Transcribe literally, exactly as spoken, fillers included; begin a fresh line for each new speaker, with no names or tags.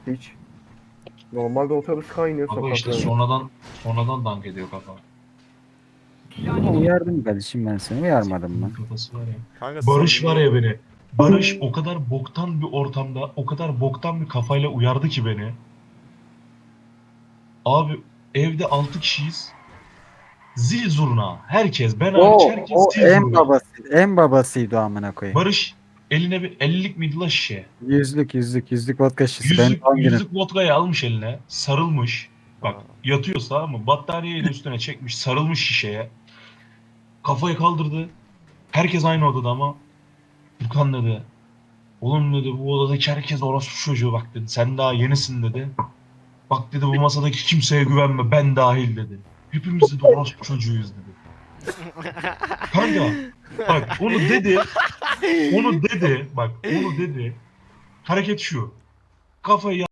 Hiç. Normalde otobüs kaynıyor
Baba işte
sokaklarda.
sonradan sonradan dank ediyor kafa.
Ama uyardım kardeşim ben seni. Uyarmadım
Bunun
mı?
kafası var ya.
Kanka
Barış var
samimi.
ya beni. Barış o kadar boktan bir ortamda, o kadar boktan bir kafayla uyardı ki beni. Abi evde altı kişiyiz. Zil zurna. Herkes, ben hariç
O
herkes
o
zil
en
zurna.
babası. En babasıydı o amına koyayım.
Barış eline bir ellilik miydi la şişe?
Yüzlük yüzlük yüzlük vodka şişesi. Benim
Yüzlük,
doğum günüm.
yüzlük vodkayı almış eline. Sarılmış. Bak
Ha.
yatıyorsa tamam mı? Battaniyeyle üstüne çekmiş. Sarılmış şişeye. Kafayı kaldırdı. Herkes aynı odada ama. Furkan dedi. Oğlum dedi bu odadaki herkes orospu çocuğu bak dedi. Sen daha yenisin dedi. Bak dedi bu masadaki kimseye güvenme ben dahil dedi. Hepimiz dedi orospu çocuğuyuz dedi. Kanka bak onu dedi. Onu dedi. Bak onu dedi. Hareket şu. Kafayı